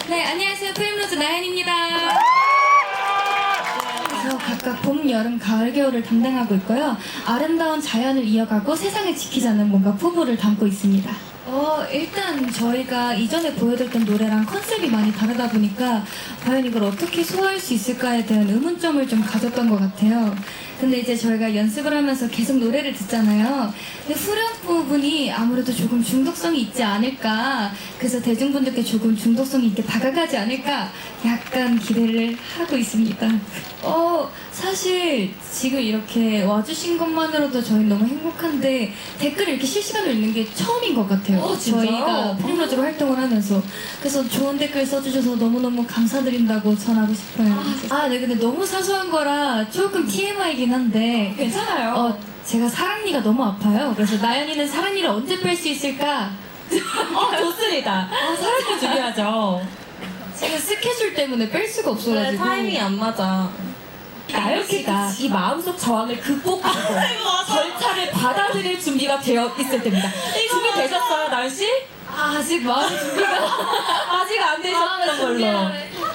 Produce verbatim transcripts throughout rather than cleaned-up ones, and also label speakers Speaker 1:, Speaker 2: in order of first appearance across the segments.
Speaker 1: 네, 안녕하세요. 프림로즈 나연입니다. 그래서 각각 봄, 여름, 가을, 겨울을 담당하고 있고요. 아름다운 자연을 이어가고 세상을 지키자는 뭔가 포부를 담고 있습니다. 어, 일단 저희가 이전에 보여드렸던 노래랑 컨셉이 많이 다르다 보니까 과연 이걸 어떻게 소화할 수 있을까에 대한 의문점을 좀 가졌던 것 같아요. 근데 이제 저희가 연습을 하면서 계속 노래를 듣잖아요. 근데 후렴 부분이 아무래도 조금 중독성이 있지 않을까, 그래서 대중분들께 조금 중독성이 있게 다가가지 않을까 약간 기대를 하고 있습니다. 어, 사실 지금 이렇게 와주신 것만으로도 저희 너무 행복한데 댓글을 이렇게 실시간으로 읽는 게 처음인 것 같아요.
Speaker 2: 어, 진짜요?
Speaker 1: 저희가 프림로즈로 활동을 하면서. 그래서 좋은 댓글 써주셔서 너무너무 감사드린다고 전하고 싶어요. 아, 네, 근데 너무 사소한 거라 조금 티엠아이긴 한데
Speaker 2: 괜찮아요.
Speaker 1: 어, 제가 사랑니가 너무 아파요. 그래서 나연이는 사랑니를 언제 뺄 수 있을까?
Speaker 2: 어, 좋습니다. 어, 사랑도 중요하죠.
Speaker 1: 지금 스케줄 때문에 뺄 수가 없어가지고.
Speaker 2: 타이밍이 안 맞아. 나연 씨가 이 마음속 저항을 극복하고 절차를 받아들일 준비가 되어 있을 때입니다. 준비되셨어요, 나연 씨?
Speaker 1: 아, 아직 마음 준비가
Speaker 2: 아직 안 되셨던 걸로.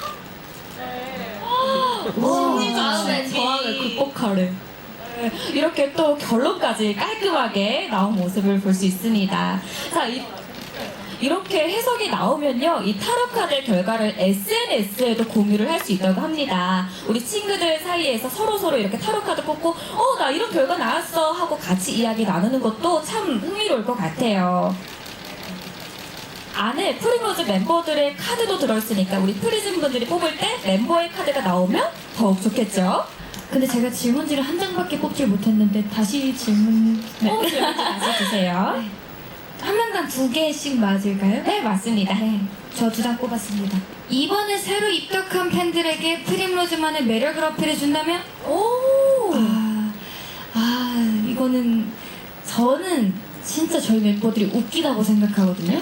Speaker 1: 심리적
Speaker 2: 저항을 극복하래. 네, 이렇게 또 결론까지 깔끔하게 나온 모습을 볼 수 있습니다. 자, 이, 이렇게 해석이 나오면요, 이 타로 카드 결과를 에스엔에스에도 공유를 할 수 있다고 합니다. 우리 친구들 사이에서 서로 서로 이렇게 타로 카드 뽑고, 어, 나 이런 결과 나왔어 하고 같이 이야기 나누는 것도 참 흥미로울 것 같아요. 안에 프림로즈 멤버들의 카드도 들어있으니까 우리 프리즘 분들이 뽑을 때 멤버의 카드가 나오면 더욱 좋겠죠?
Speaker 1: 근데 제가 질문지를 한 장밖에 뽑질 못했는데 다시 질문
Speaker 2: 어, 질문지 다시 주세요.
Speaker 1: 한 명당 두 개씩 맞을까요?
Speaker 2: 네, 맞습니다.
Speaker 1: 네, 저 두 장 뽑았습니다. 이번에 새로 입덕한 팬들에게 프림로즈만의 매력을 어필해준다면?
Speaker 2: 오!
Speaker 1: 아, 아, 이거는 저는 진짜 저희 멤버들이 웃기다고 생각하거든요.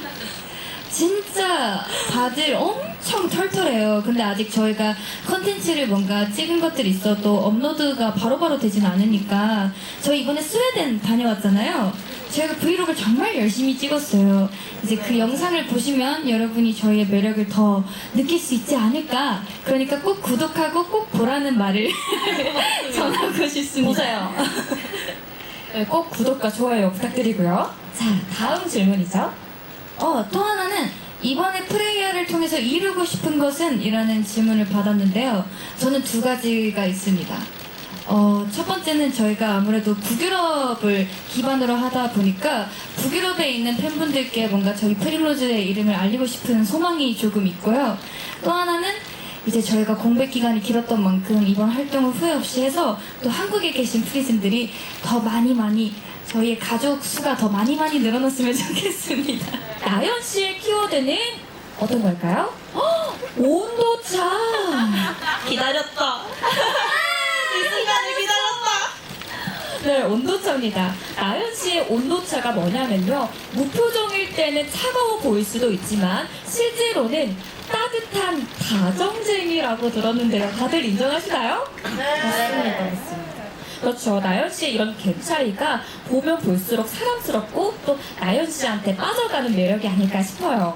Speaker 1: 진짜 다들 엄청 털털해요. 근데 아직 저희가 컨텐츠를 뭔가 찍은 것들이 있어도 업로드가 바로바로 되진 않으니까 저희 이번에 스웨덴 다녀왔잖아요. 저희가 브이로그를 정말 열심히 찍었어요. 이제 그 영상을 보시면 여러분이 저희의 매력을 더 느낄 수 있지 않을까. 그러니까 꼭 구독하고 꼭 보라는 말을 전하고 싶습니다.
Speaker 2: 보세요. 네, 꼭 구독과 좋아요 부탁드리고요. 자, 다음 질문이죠.
Speaker 1: 어, 또 하나는 이번에 프레이어를 통해서 이루고 싶은 것은? 이라는 질문을 받았는데요. 저는 두 가지가 있습니다. 어, 첫 번째는 저희가 아무래도 북유럽을 기반으로 하다 보니까 북유럽에 있는 팬분들께 뭔가 저희 프림로즈의 이름을 알리고 싶은 소망이 조금 있고요. 또 하나는 이제 저희가 공백 기간이 길었던 만큼 이번 활동을 후회 없이 해서 또 한국에 계신 프리즘들이 더 많이 많이 저희의 가족 수가 더 많이 많이 늘어났으면 좋겠습니다.
Speaker 2: 나연 씨의 키워드는 어떤 걸까요? 헉, 온도차!
Speaker 3: 기다렸다. 이 순간을 기다렸다.
Speaker 2: 네, 온도차입니다. 나연 씨의 온도차가 뭐냐면요, 무표정일 때는 차가워 보일 수도 있지만 실제로는 따뜻한 다정쟁이라고 들었는데요. 다들 인정하시나요?
Speaker 3: 네.
Speaker 2: 맞습니다, 맞습니다. 그렇죠. 나연 씨의 이런 갭 차이가 보면 볼수록 사랑스럽고 또 나연 씨한테 빠져가는 매력이 아닐까 싶어요.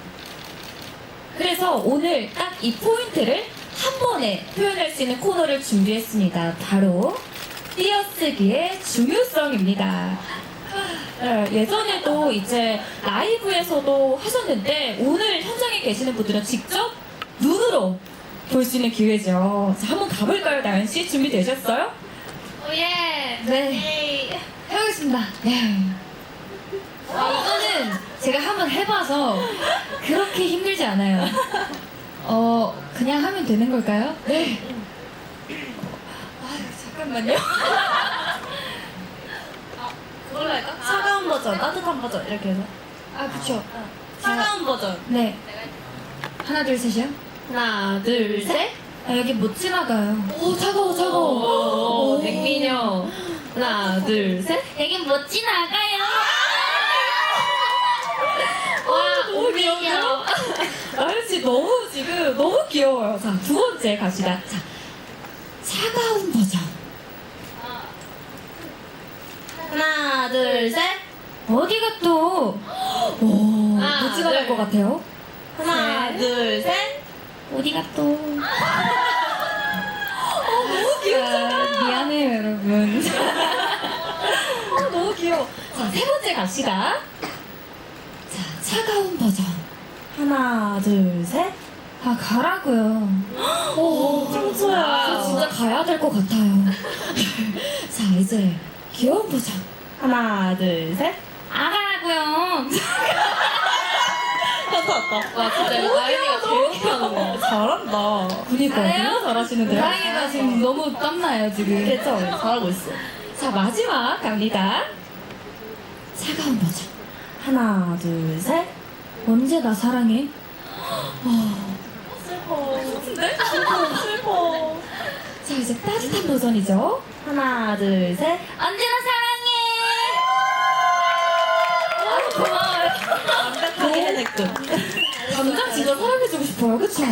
Speaker 2: 그래서 오늘 딱 이 포인트를 한 번에 표현할 수 있는 코너를 준비했습니다. 바로 띄어쓰기의 중요성입니다. 네, 예전에도 이제 라이브에서도 하셨는데 오늘 현장에 계시는 분들은 직접 눈으로 볼 수 있는 기회죠. 자, 한번 가볼까요, 나연 씨? 준비되셨어요?
Speaker 3: 오예.
Speaker 1: 네, 해보겠습니다. 네. 아, 이거는 제가 한번 해봐서 그렇게 힘들지 않아요. 어, 그냥 하면 되는 걸까요? 네. 아, 잠깐만요.
Speaker 3: 그걸로 할까? 차가운 버전, 따뜻한 버전 이렇게 해서.
Speaker 1: 아, 그쵸.
Speaker 3: 차가운 버전.
Speaker 1: 네. 하나, 둘, 셋이요?
Speaker 3: 하나, 둘, 셋.
Speaker 1: 아, 여기 못 지나가요.
Speaker 2: 오, 차가워, 차가워.
Speaker 3: 오, 백민영. 하나, 둘, 셋.
Speaker 1: 여긴 못 지나가요.
Speaker 3: 와,
Speaker 2: 너무 귀여워요. 나연 씨 너무 지금 너무 귀여워요. 자, 두 번째 갑시다. 자, 차가운 버전.
Speaker 3: 하나, 둘, 셋.
Speaker 1: 어디가 또?
Speaker 2: 오,
Speaker 3: 하나,
Speaker 2: 못 지나갈
Speaker 3: 둘.
Speaker 2: 것 같아요.
Speaker 3: 하나, 둘, 셋.
Speaker 1: 어디가 또? 너무 귀엽잖아. 미안해요, 여러분.
Speaker 2: 어, 너무 귀여워. 자, 세 번째 갑시다. 자, 차가운 버전.
Speaker 3: 하나, 둘, 셋.
Speaker 1: 아, 가라고요.
Speaker 2: 오,
Speaker 3: 평소야.
Speaker 2: 저 진짜 가야 될 것 같아요. 자, 이제 귀여운 버전.
Speaker 3: 하나, 둘, 셋.
Speaker 1: 아, 가라고요.
Speaker 3: 왔다, 왔다.
Speaker 2: 와, 진짜 아이디가 제일 귀여운 거.
Speaker 3: 잘한다.
Speaker 2: 그니까
Speaker 1: 잘해요?
Speaker 2: 너무 잘하시는데요?
Speaker 1: 다행이다, 지금 너무 땀나요, 지금.
Speaker 3: 괜찮아. 잘하고 있어.
Speaker 2: 자, 마지막 갑니다. 차가운 버전.
Speaker 3: 하나, 둘, 셋.
Speaker 1: 언제 나 사랑해?
Speaker 3: 슬퍼. 슬퍼. 슬퍼.
Speaker 2: 자, 이제 따뜻한 버전이죠.
Speaker 3: 하나, 둘, 셋.
Speaker 1: 언제나 사랑해! 아, 고마워요.
Speaker 3: 완벽하게 해냈군.
Speaker 2: 당장 진짜 사랑해주고 싶어요, 그쵸?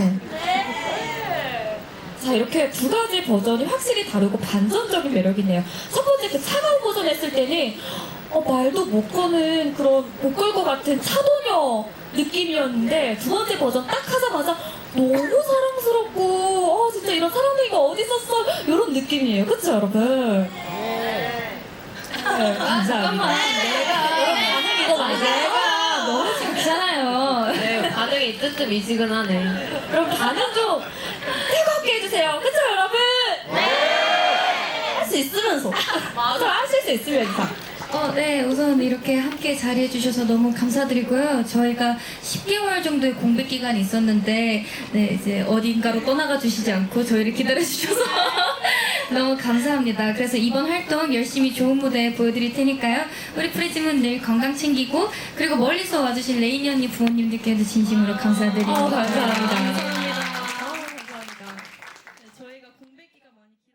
Speaker 2: 자, 이렇게 두 가지 버전이 확실히 다르고 반전적인 매력이네요. 첫 번째 그 차가운 버전 했을 때는 어, 말도 못 거는 그런 못 걸 것 같은 차도녀 느낌이었는데 두 번째 버전 딱 하자마자 너무 사랑스럽고 어, 진짜 이런 사랑둥이가 어디 있었어? 이런 느낌이에요. 그쵸, 여러분? 네, 감사합니다.
Speaker 1: 내가,
Speaker 2: 이거 맞아요?
Speaker 1: 내가 너무 작잖아요.
Speaker 3: 네, 반응이 뜨뜻미지근하네.
Speaker 2: 그럼 반응 좀 뜨겁게 해주세요. 그쵸, 여러분?
Speaker 3: 할 수 있으면서.
Speaker 2: 맞아, 하실 수 있으면서.
Speaker 1: 어, 네, 우선 이렇게 함께 자리해주셔서 너무 감사드리고요. 저희가 십 개월 정도의 공백 기간이 있었는데, 네, 이제 어딘가로 떠나가 주시지 않고 저희를 기다려주셔서 너무 감사합니다. 그래서 이번 활동 열심히 좋은 무대 보여드릴 테니까요. 우리 프리즘은 늘 건강 챙기고, 그리고 멀리서 와주신 레이니 언니 부모님들께도 진심으로 감사드립니다.
Speaker 2: 어, 감사합니다.
Speaker 1: 감사합니다. 저희가 공백 기간 많이